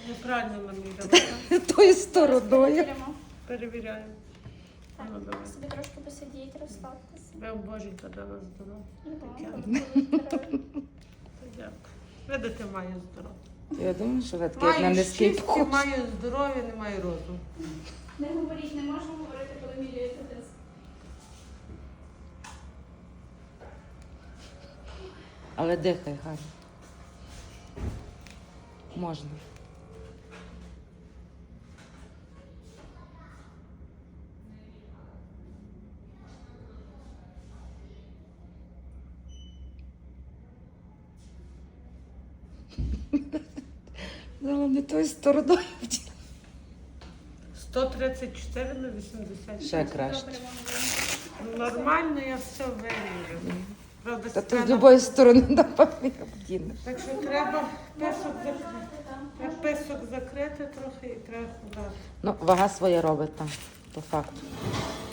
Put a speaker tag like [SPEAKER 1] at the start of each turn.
[SPEAKER 1] Неправильно наміряла.
[SPEAKER 2] Тою стороною.
[SPEAKER 3] Перевіримо.
[SPEAKER 1] Перевіряємо.
[SPEAKER 3] Так,
[SPEAKER 1] Ну, давай.
[SPEAKER 3] собі трошки посидіть, розслабтеся.
[SPEAKER 1] Ви боженька дала здоров'я.
[SPEAKER 3] Ну,
[SPEAKER 1] Дякую. Видите, маю здоров'я.
[SPEAKER 2] Я думаю, що ви таке на
[SPEAKER 1] Маю
[SPEAKER 2] низький
[SPEAKER 1] щастя,
[SPEAKER 2] вкус.
[SPEAKER 1] маю здоров'я, не маю розуму.
[SPEAKER 3] Не говоріть, не можна говорити, коли міряєте тиск.
[SPEAKER 2] Але дихай, гарно. Можна. Але не тою стороною.
[SPEAKER 1] 134 на 80.
[SPEAKER 2] Ще краще.
[SPEAKER 3] Добре, вам вийде.
[SPEAKER 1] Нормально, я все виріжу. Правда,
[SPEAKER 2] Та ти з
[SPEAKER 1] спина-
[SPEAKER 2] любої сторони напевно обдінеш.
[SPEAKER 1] Так що треба писок закрити трохи і треба худати.
[SPEAKER 2] Ну, вага своє робить там, по факту.